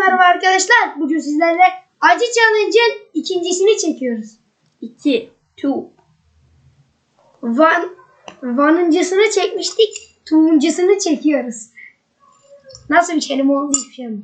merhaba arkadaşlar. Bugün sizlerle Acı Challenge'ın ikincisini çekiyoruz. 2, 2. One'ıncısını çekmiştik. Two'uncusunu çekiyoruz. Nasıl bir kelime oldu hiçbir şey mi?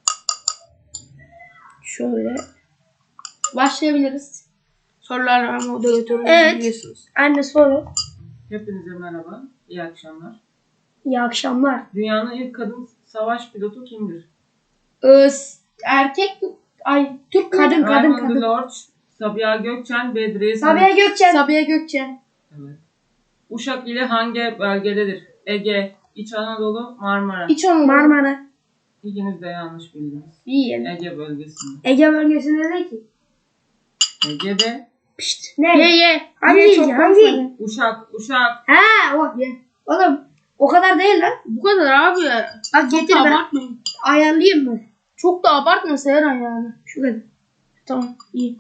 Şöyle başlayabiliriz. Sorularla moderatörü biliyorsunuz. Anne soru. Hepinize merhaba, iyi akşamlar. İyi akşamlar. Dünyanın ilk kadın savaş pilotu kimdir? Erkek, Türk Kadın. Raymond Lorch, Sabiha Gökçen, Bedriye Sabiha Gökçen. Sabiha Gökçen. Evet. Uşak ili hangi bölgededir? Ege, İç Anadolu, Marmara. İç Anadolu. Marmara. İkiniz de yanlış bildiniz. İyi. Ege bölgesinde. Ege bölgesinde ne ki? Ege'de Pişt. Ne? Ye. Hangi Ye, ilgi? çok Hangi? fazla. Uşak. Ha o. Oğlum o kadar değil lan. Bu kadar abi. Bak Çok getir da ben. abartmayın. Ayarlayayım mı? Çok da abartma Seyran yani. Şu kadar. Tamam iyi.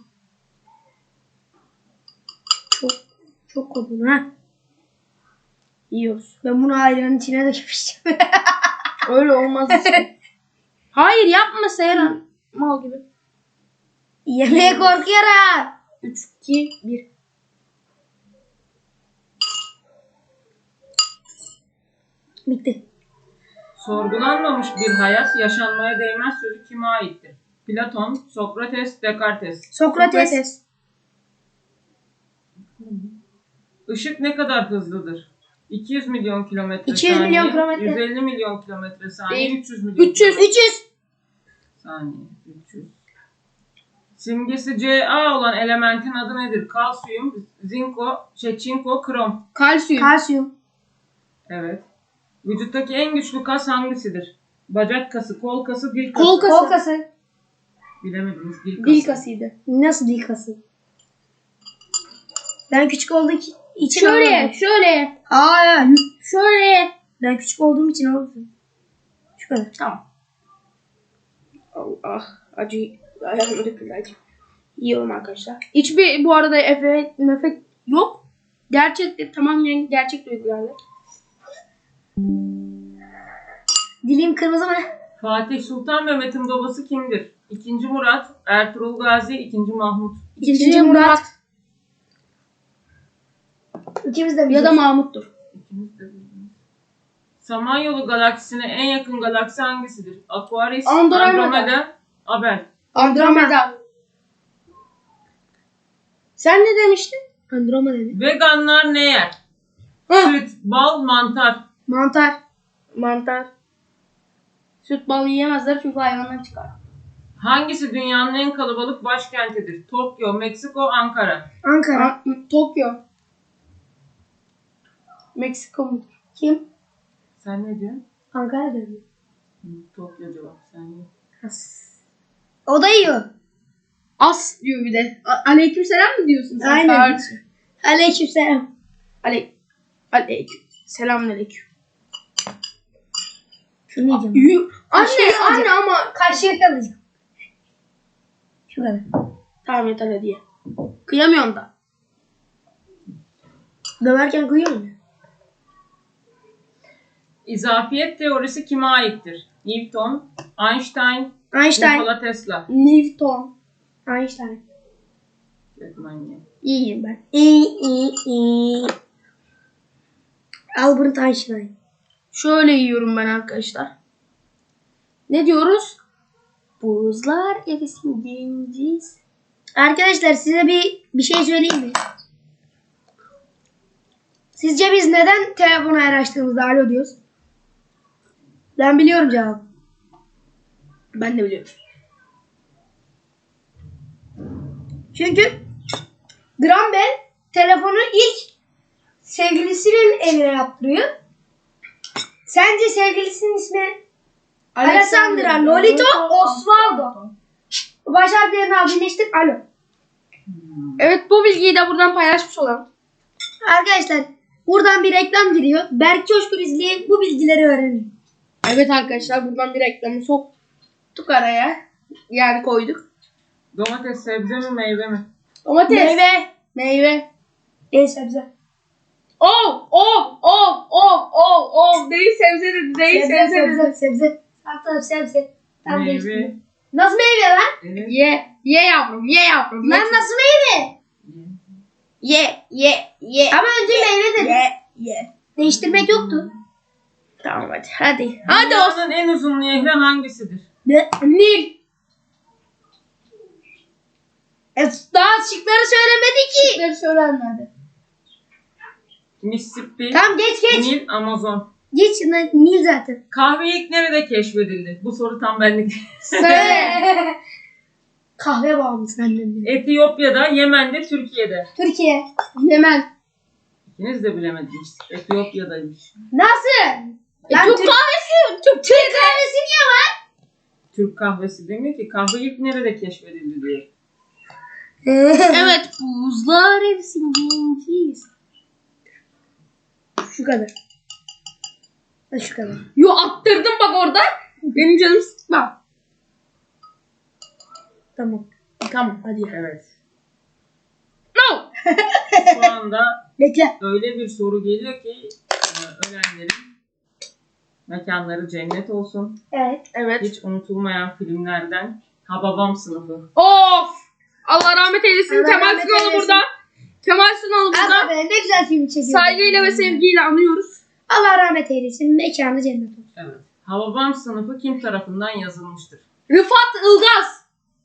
Çok kodum ha. Yiyoruz. Ben bunu ayranın içine dökmüştüm. Öyle olmaz işte. Hayır yapma Seyran. Mal gibi. Yemeğe korkuyorum. 3, 2, 1. Bitti. Sorgulanmamış bir hayat, yaşanmaya değmez sözü kime aittir? Platon, Sokrates, Descartes. Sokrates. Işık ne kadar hızlıdır? 200 milyon kilometre 200 saniye, milyon kilometre. 150 milyon kilometre saniye, Değil. 300 milyon 300. saniye, 300. Simgesi Ca olan elementin adı nedir? Kalsiyum, çinko, krom. Kalsiyum. Kalsiyum. Evet. Vücuttaki en güçlü kas hangisidir? Bacak kası, kol kası, dil kası. Kol kası. Kol kası. Bilemediniz, dil kası. Dil kasıydı. Nasıl dil kası? Ben küçük olduğum için Şöyle, anlamadım. şöyle, Hayır. şöyle. Ben küçük olduğum için anlamadım. Şu kadar. Tamam. Allah, acı. Ayağıma döküldü acı. Yiyorum arkadaşlar. Hiçbir bu arada efekt yok. Gerçekten tamamen gerçek duygularla. Dilim kırmızı mı? Fatih Sultan Mehmet'in babası kimdir? 2. Murat, Ertuğrul Gazi, 2. Mahmut. İkinci Murat. İkimiz de Ya da bileceğiz. Mahmut'tur. İkiniz de bildiniz. Samanyolu galaksisine en yakın galaksi hangisidir? Aquarius, Andromeda. Abel. Andromeda. Sen ne demiştin? Andromeda dedi. Veganlar ne yer? Süt, bal, mantar. Mantar. Mantar. Süt balı yiyemezler çünkü hayvanlar çıkar. Hangisi dünyanın en kalabalık başkentidir? Tokyo, Meksiko, Ankara. Ankara. Tokyo. Meksiko mu? Kim? Sen ne diyorsun? Ankara dedi. Tokyo cevap. Sen ne? O da yiyor. As diyor bir de. Aleykümselam mı diyorsun sen? Aynen. Kardeşim? Aleykümselam. Aleyküm. Selamünaleyküm. Şunu yiyeceğim. Anne ama. Kaşığı kalacak. Şu kadar. Tamam yeter hadi ye. Kıyamıyorum da. Döverken kıyıyor mu? İzafiyet teorisi kime aittir? Newton, Einstein, Einstein. Nikola Tesla. Newton. Einstein. Öğretmen. İyiyim ben. İyi. Albert Einstein. Şöyle yiyorum ben arkadaşlar. Ne diyoruz? Buzlar erisin dinciz. Arkadaşlar size bir şey söyleyeyim mi? Sizce biz neden telefonu her açtığımızda alo diyoruz? Ben biliyorum cevabı. Ben de biliyorum. Çünkü Graham Bell telefonu ilk sevgilisinin evine yaptırıyor. Sence sevgilisinin ismi Alessandra Lolito Osvaldo. Baş harflerini al birleştir. Alo. Evet bu bilgiyi de buradan paylaşmış olalım. Arkadaşlar buradan bir reklam giriyor. Berk Coşkun izleyin bu bilgileri öğrenin. Evet arkadaşlar buradan bir reklamı soktuk araya. Yani koyduk. Domates sebze mi meyve mi? Domates. Meyve. Sebze. Değil sebze dedi. Değil sebze dedi. Sebze. Sebze. Sebze. Tam Meyve. değiştirdim. Nasıl meyve lan? Evet. Ye yavrum, ye yavrum. Lan nasıl meyve? Ye. Ama önce meyve dedim. Ye. Değiştirmek yoktu. Tamam hadi. Hadi olsun. Dünyanın en uzun nehri hangisidir? Nil. Daha şıkları söylemedi ki. Şıkları söylenmedi. Mississippi, Tamam geç. Nil, Amazon. Geç Nil zaten. Kahve ilk nerede keşfedildi? Bu soru tam benlik. Söyle. Kahve bağımlısın annem benim. Etiyopya'da, Yemen'de, Türkiye'de. Türkiye. Yemen. İkiniz de bilemediniz. Etiyopya'daymış. Nasıl? Lan Türk kahvesi. Türk kahvesi niye var? Türk kahvesi demiyor ki. Kahve ilk nerede keşfedildi diyor. Evet, buzlar erisin. Şu kadar. Şu kadar. Yo attırdım bak orada. Benim canım sıkma. Tamam. Tamam hadi. Evet. No. Şu anda Bekle. öyle bir soru geliyor ki ölenlerin mekanları cennet olsun. Evet. Hiç unutulmayan filmlerden Hababam Sınıfı. Of. Allah rahmet eylesin. Allah Kemal rahmet Sunal eylesin. burada. Kemal Sunal burada. Ama ne güzel film çekiyor. Saygıyla ve sevgiyle anıyoruz. Allah rahmet eylesin. Mekanı cennet olsun. Evet. Hababam Sınıfı kim tarafından yazılmıştır? Rıfat Ilgaz.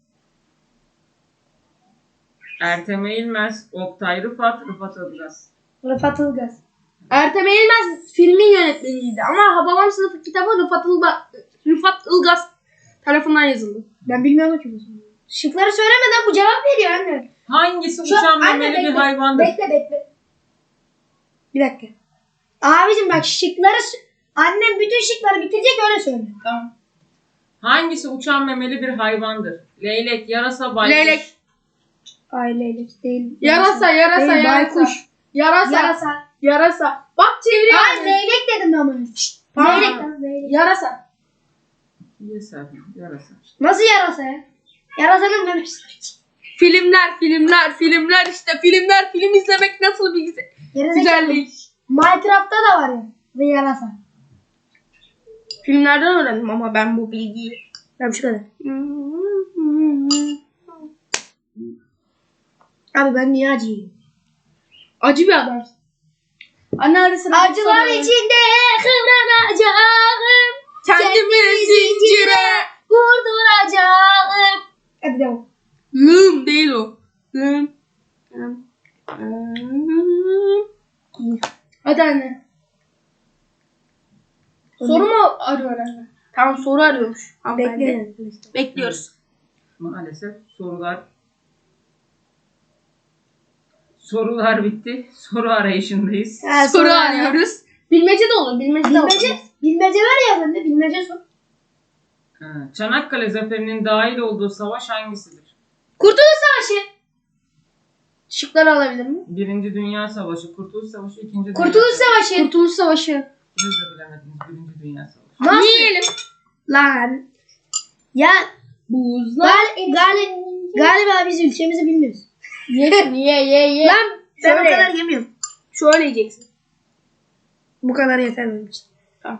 Ertem Eğilmez, Oktay Rıfat, Rıfat Ilgaz. Rıfat Ilgaz. Ertem Eğilmez filmin yönetmeniydi ama Hababam Sınıfı kitabı Rıfat Ilgaz tarafından yazıldı. Ben bilmiyorum ki bu soruyu. Şıkları söylemeden bu cevap veriyor anne. Hangisi Şu- uçan anne, memeli bir bekle. hayvandır? Bekle. Bir dakika. Abicim bak şıkları... Annem bütün şıkları bitirecek öyle söyle. Tamam. Hangisi uçan memeli bir hayvandır? Leylek, yarasa, baykuş. Leylek. Ailelik değil. Yarasa. Değil, baykuş. Yarasa. Bak çeviriyor. Ay leylek dedim ama. Tamam. Leylek lan leylek. Yarasa. Yarasa, yarasa. Nasıl yarasa ya? Yarasanın memesi. Filmler işte filmler. Film izlemek nasıl bir güzellik. Minecraft'ta da var ya. Ve yarasa. Filmlerden öğrendim ama ben bu bilgiyi. Ben şu kadar. Abi ben niye acıyım? Acı bir adamsın. Anne hadi sıra. Acılar içinde kıvranacağım. Kendimi zincire. Vurduracağım. Hadi devam. Lım değil o. Lım. Hadi anne. Soru mu arıyor anne? Tamam soru arıyormuş. Bekle. Bekliyoruz. Maalesef sorular bitti. Soru arayışındayız. Soru arıyoruz. Bilmece de olur. Bilmece de olur. Bilmece var ya bende bilmece sor. Çanakkale Zaferi'nin dahil olduğu savaş hangisidir? Kurtuluş Savaşı. Şıkları alabilir miyim? Birinci Dünya Savaşı, Kurtuluş Savaşı, İkinci Dünya Kurtuluş Savaşı. Kurtuluş Savaşı. İkiniz de bilemediniz. Birinci Dünya Savaşı. Nasıl? Yiyelim. Lan. Ya Buzlar. galiba biz ülkemizi bilmiyoruz. Ye. Lan ben Şöyle. o kadar yemiyorum. Şöyle yiyeceksin. Bu kadar yeter benim için. Tamam.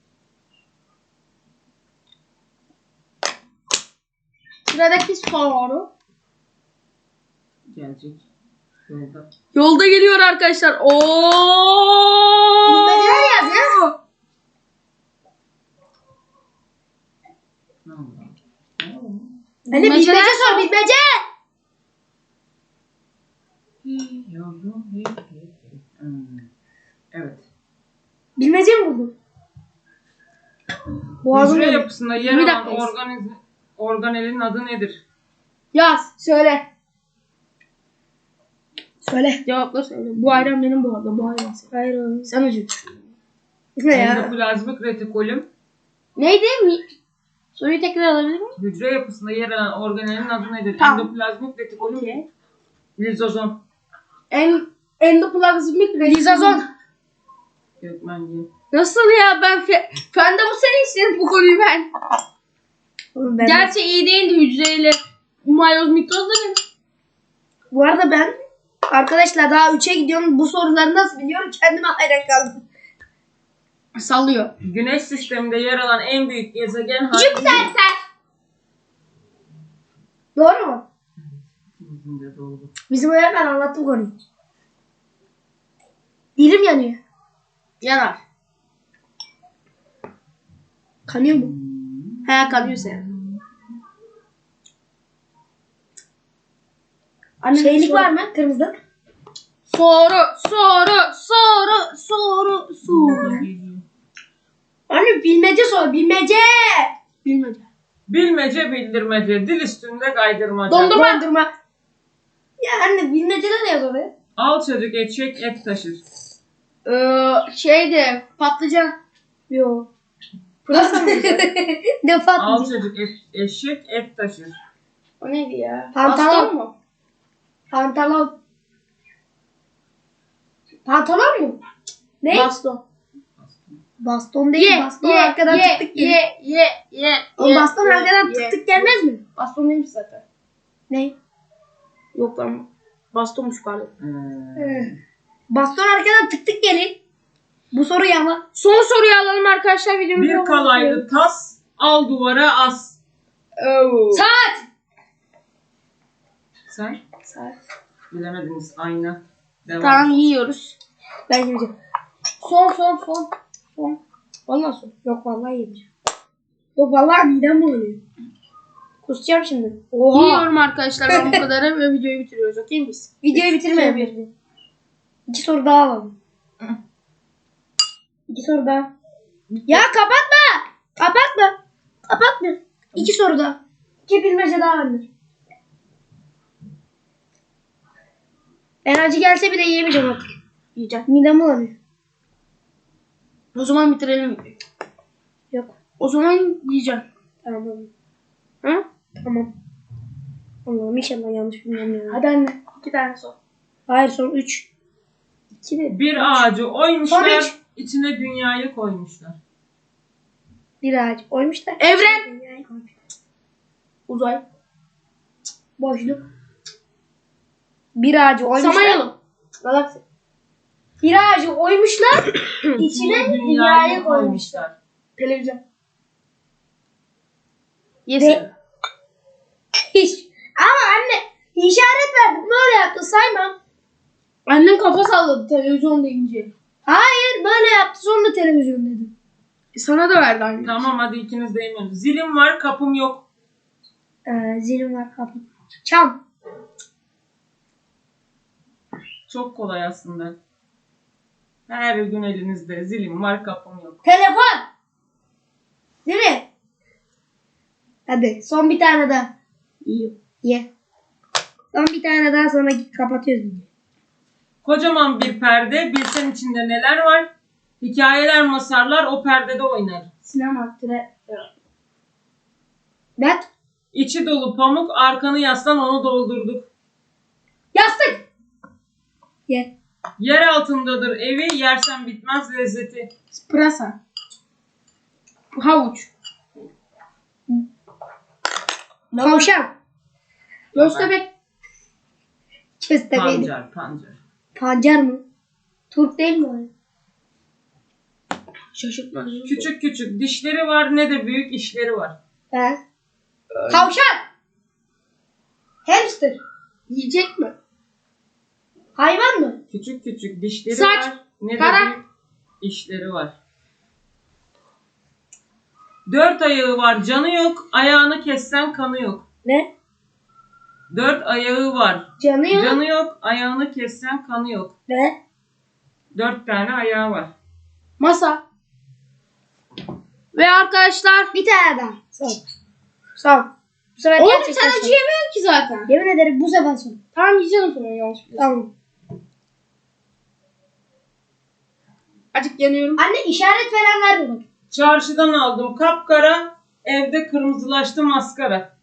Sıradaki soru. Gelecek. Yolda. Yolda geliyor arkadaşlar. Bilmeceler yaz ya. Ne oldu? Hani bilmece sor bilmece. Yavrum. Evet. Bilmece mi buldun? Boğazım Hücre yanıyor. yapısında yer Bir alan dakika. organelin adı nedir? Yaz. Söyle. Söyle. Cevapları söyle. Bu ayran benim bu arada. Bu ayran senin. Hayır oğlum. Sen acı. Ne ya? Endoplazmik retikulum. Neydi? Soruyu tekrar alabilir miyim? Hücre yapısında yer alan organelin adı nedir? Tamam. Endoplazmik retikulum. Okey. Lizozom. Endoplazmik Lizazon. Gökmenci. Nasıl ya? Fen de bu sene istedim bu konuyu ben. Oğlum ben Gerçi iyi değildi hücreyle. Mayoz mitoz da benim. Bu arada ben arkadaşlar daha 3'e gidiyorum. Bu soruları nasıl biliyorum? Kendime hayran kaldım. Sallıyor. Güneş sisteminde yer alan en büyük gezegen hangisidir? Jüpiter. Doğru mu? İkimizin de doğru. Bizim öğretmen anlattı bu konuyu. Dilim yanıyor. Yanar. Kanıyor mu? He kanıyor senin. Anne Şeylik var mı? Kırmızı. Soru. Anne bilmece sor. Bilmece. Bilmece. Bilmece bildirmece, dil üstünde kaydırmaca. Dondurma. Ya anne bilmecede ne yazıyor oraya? Al çocuk eşek et taşır. Şeydi patlıcan. Yo. Pırasa mı? Ne Al patlıcı? çocuk eşek et taşır. O neydi ya? Pantolon. Baston mu? Pantolon. Pantolon mu? Ne? Baston. Baston değil. Baston arkadan tık tık gelir. O baston arkadan tık tık gelmez mi? Baston değilmiş zaten. Ne? Yok lan. Bastonmuş pardon. Baston arkadan tık tık gelir. Bu soru yalan. Son soruyu alalım arkadaşlar videomuzu. Bir kalaylı tas, al duvara as. Saat. Sen Saat. bilemediniz, ayna. Devam. Tamam yiyoruz. Ben yemeyeceğim. Son. Vallahi son. Yok vallahi yemeyeceğim. Yok vallahi midem bulanıyor. Kusacağım şimdi. Oha. Yiyorum arkadaşlar ben bu kadarı ve videoyu bitiriyoruz. Okey miyiz? Videoyu bitirmeyelim. 2 soru daha alalım. 2 soru daha. Ya kapatma. Kapatma. 2 soru daha. 2 bilmece daha vardır. Enerji gelse bile yiyemeyeceğim artık. Yiyeceğim. Midem bulanıyor. O zaman bitirelim videoyu. Yok. O zaman yiyeceğim. Tamam. Hı? Tamam. Allah'ım inşallah yanlış bilmiyorum ya. Hadi anne. 2 tane son. Hayır son 3. 2 de. Bir ağacı oymuşlar, Son içine dünyayı koymuşlar. Bir ağaç oymuşlar. Evren. Dünyayı koymuşlar. Uzay. Boşluk. Bir ağacı oymuşlar. Samanyolu. Galaksi. Bir ağacı oymuşlar. içine dünyayı koymuşlar. Televizyon. Ve- Hiç. Ama anne işaret verdim. Böyle yaptı saymam. Annem kafa salladı televizyon deyince. Hayır böyle yaptı sonra televizyon dedim. Sana da verdi anne. Tamam, hadi ikiniz de yemiyorsunuz. Zilim var, kapım yok. Zilim var kapı. Çam. Çok kolay aslında. Her gün elinizde zilim var, kapım yok. Telefon. Değil mi? Hadi son bir tane daha. İyi. Ye. Son bir tane daha sonra kapatıyoruz videoyu. Kocaman bir perde, bilsen içinde neler var. Hikayeler, masarlar o perdede oynar. Sinema. Net. İçi dolu pamuk, arkanı yaslan onu doldurduk. Yastık. Ye. Yer altındadır evi, yersen bitmez lezzeti. Pırasa. Havuç. Tavşan. Köstebek. Köstebek. Pancar. Pancar mı? Turp değil mi o? Şaşırtmacı. Küçük küçük dişleri var, ne de büyük işleri var. He. Tavşan. Hamster. Yiyecek mi? Hayvan mı? Küçük küçük dişleri Saç, var, ne de tarak. büyük işleri var. 4 ayağı var, canı yok, ayağını kessen kanı yok. Ne? 4 ayağı var, Canı yok. canı yok, ayağını kessen kanı yok. Ne? 4 tane ayağı var. Masa. Ve arkadaşlar. Bir tane daha. Son. Son. Bu sefer Oğlum gerçekten sen son. acıyamıyorsun ki zaten. Yemin ederim bu sefer son. Tamam yiyeceğim sonra yanlış biliyorsun. Tamam. Acık yanıyorum. Anne işaret veren ver bak. Çarşıdan aldım kapkara, evde kırmızılaştı maskara.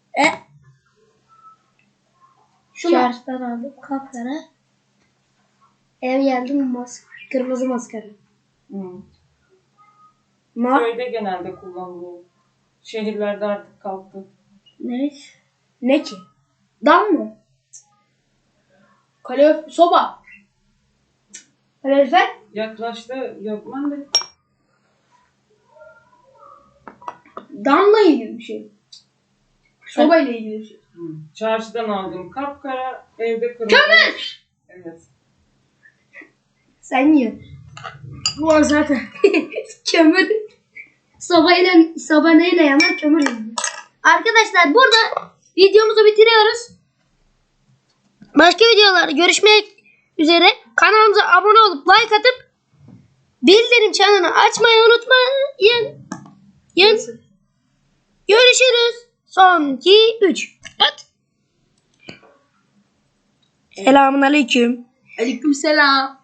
Şunu. Çarşıdan aldım kapkara. Ev geldim kırmızı maskara. Ma Köyde genelde kullanılıyor. Şehirlerde artık kalktı. ne? Ne ki? Dam mı? Soba. Kalorifer? Yaklaştı Gökmen de. Damla ilgili bir şey. Sobayla ilgili bir şey. Çarşıdan aldım kapkara, evde kırmızı. Kömür! Evet. Sen yiyorsun. Bu o zaten. Kömür. Soba neyle yanar? Kömür yanar. Arkadaşlar burada videomuzu bitiriyoruz. Başka videolarda görüşmek üzere. Kanalımıza abone olup like atıp bildirim çanını açmayı unutmayın. Görüşürüz. Son 2 3. Selamun aleyküm. Aleykümselam.